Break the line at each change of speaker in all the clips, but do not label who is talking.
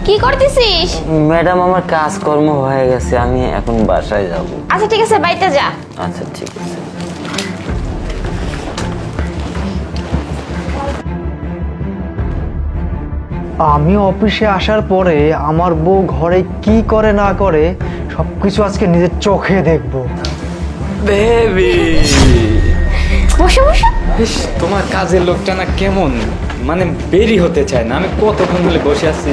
কি করতেছিস?
ম্যাডাম আমার কাজকর্ম হয়ে গেছে, আমি এখন বাসায় যাব।
আচ্ছা ঠিক আছে, বাড়িতে যা।
আচ্ছা ঠিক আছে।
আমি অফিসে আসার পরে আমার বউ ঘরে কি করে না করে সবকিছু আজকে নিজের চোখে দেখবো।
বেবি,
বসে বসে।
ইস, তোমার কাজের লোকটা না কেমন, মানে বেরি হতে চায় না। আমি কতক্ষণ ধরে বসে আছি।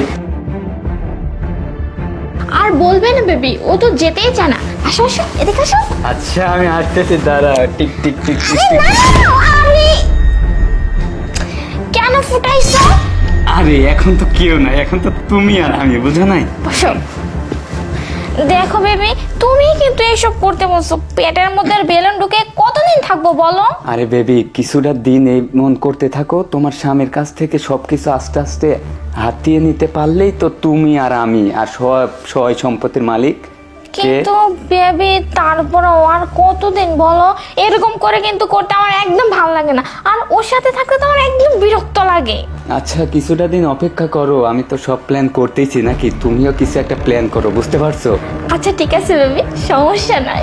আর বলবে না বেবি, ও তো যেতেই চায় না। আসো আসো, এদিকে আসো।
আচ্ছা আমি আসতেছি, দাঁড়া। Tick tick tick tick tick.
আরে কেন ফুটাইছো?
আরে এখন তো কেউ নাই, এখন তো তুমি আর আমি, বুঝো নাই?
বসো। দেখো বেবি, তুমি কিন্তু এসব করতে বলছো। পেটের মধ্যে আর বেলুন ঢুকে কতদিন থাকবো বলো?
আরে বেবি, কিছুটা দিন এই মন করতে থাকো। তোমার স্বামীর কাছ থেকে সবকিছু আস্তে আস্তে হাতিয়ে নিতে পারলেই তো তুমি আর আমি আর সব সয় সম্পত্তির মালিক কে?
কিন্তু বেবি তারপরে আর কতদিন বলো? এরকম করে কিন্তু করতে আমার একদম ভালো লাগে না। আর ওর সাথে থাকতে তো আমার একদম বিরক্ত লাগে।
আচ্ছা কিছুটা দিন অপেক্ষা করো, আমি তো সব প্ল্যান করতেইছি নাকি, তুমিও কিছু একটা প্ল্যান করো, বুঝতে পারছো?
আচ্ছা ঠিক আছে বেবি, সমস্যা নাই।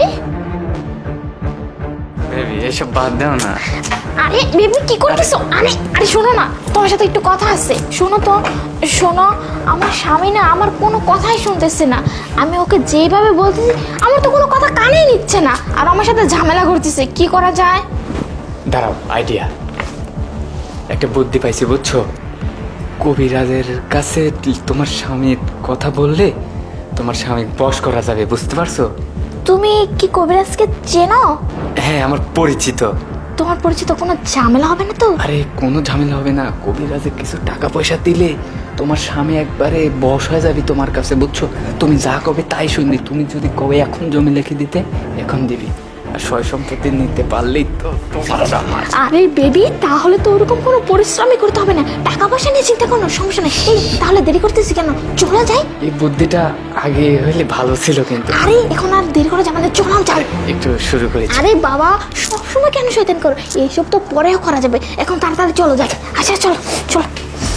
বেবি এসব বাদ দাও না।
আরে বেবি কি করতেছো? আরে আরে শোনো না, তোমার সাথে একটু কথা আছে। শোনো তো, শোনো। আমার স্বামী না আমার কোনো কথাই শুনতেছে না। আমি ওকে যেভাবে বলতেছি আমার তো কোনো কথা কানেই নিচ্ছে না, আর আমার সাথে ঝামেলা করতেছে। কি করা যায়?
দাঁড়াও, আইডিয়া, একটা বুদ্ধি পাইছি, বুঝছো? কবিরাজের কাছে তোমার স্বামীর কথা বললে তোমার স্বামী বশ করা যাবে, বুঝতে পারছো?
তুমি কি কবিরাজকে চেনো?
হ্যাঁ, আমার পরিচিত।
তোমার পরিচিত, কোনো ঝামেলা হবে না তো?
আরে কোনো ঝামেলা হবে না, কবিরাজে কিছু টাকা পয়সা দিলে তোমার স্বামী একবারে বশ হয়ে যাবে তোমার কাছে, বুঝছো? তুমি যা কবে তাই শুনবি। তুমি যদি কবে এখন জমি লিখে দিতে, এখন দিবি। আর সয় সম্পত্তি নিতে পারলেই তো তোমার আর আমার।
আরে বেবি, তাহলে তো ওরকম কোনো পরিশ্রমই করতে হবে না। টাকা পয়সা নিয়ে চিন্তা কোনো সমস্যা নেই। এই তাহলে দেরি করতেছি কেন? চলো যাই।
এই বুদ্ধিটা আগে হইলে ভালো ছিল কিন্তু।
আরে এখন আর দেরি করে যাবে না, চলো যাই।
একটু শুরু করেছি।
আরে বাবা, সবসময় কেন শয়তান করো? এইসব তো পরেও করা যাবে, এখন তাড়াতাড়ি চলো যাই। আচ্ছা চলো চলো।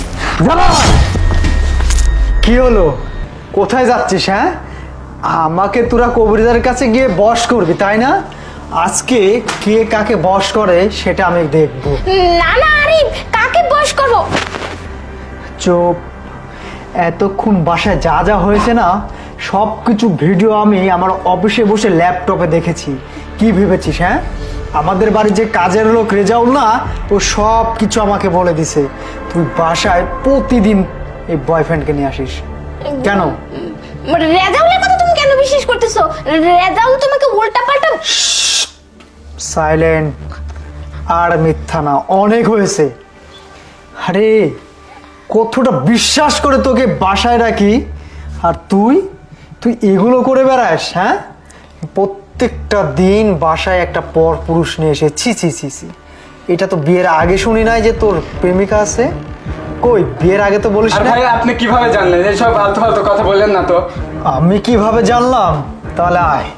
কি হলো? কোথায় যাচ্ছিস? হ্যাঁ, আমাকে তোরা কবিরাজের কাছে গিয়ে বশ করবি তাই না? আজকে কে কাকে বশ করে সেটা আমি দেখবো।
না না, আরে কাকে বয়স করবো?
চুপ। এতক্ষণ বাসায় যা যা হয়েছে না, সব কিছু ভিডিও আমি আমার অফিসে বসে ল্যাপটপে দেখেছি। কি ভেবেছিস? হ্যাঁ, আমাদের বাড়ির যে কাজের লোক রেজাউল না, ও সব কিছু আমাকে বলে দিছে তুই বাসায় প্রতিদিন এই বয়ফ্রেন্ডকে নিয়ে আসিস। কেন?
রেজাউলের কথা তুমি কেন বিশ্বাস করতেছো? রেজাউল তোমাকে উল্টা পাল্টা।
সাইলেন্ট। আর মিথ্যা না, অনেক হয়েছে। আরে কতটা বিশ্বাস করে তোকে বাসায় রাখি, আর তুই তুই এগুলো করে বেড়াস? হ্যাঁ, প্রত্যেকটা দিন বাসায় একটা পর পুরুষ নিয়ে এসে ছি ছি ছি ছি। এটা তো বিয়ের আগে শুনি নাই যে তোর প্রেমিকা আছে। কই, বিয়ের আগে তো বলিস না।
ভাই আপনি কিভাবে জানলেন? এসব আলতু ফালতু কথা বললেন না তো।
আমি কিভাবে জানলাম? তাহলে আয়,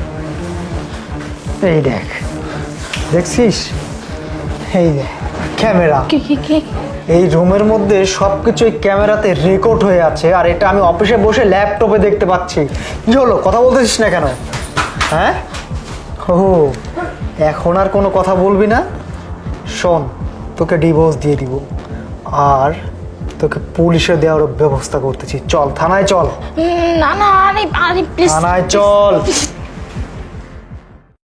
এই দেখ, দেখছিস? এই দেখ ক্যামেরা। এই রুমের মধ্যে সবকিছু এই ক্যামেরাতে রেকর্ড হয়ে আছে, আর এটা আমি অফিসে বসে ল্যাপটপে দেখতে পাচ্ছি। কি হলো, কথা বলতেছিস না কেন? হ্যাঁ, ও এখন আর কোনো কথা বলবি না? শোন, তোকে ডিভোর্স দিয়ে দিব, আর তোকে পুলিশে দেওয়ার ব্যবস্থা করতেছি। চল থানায় চল।
না না, আরে আরে প্লিজ
থানায় চল।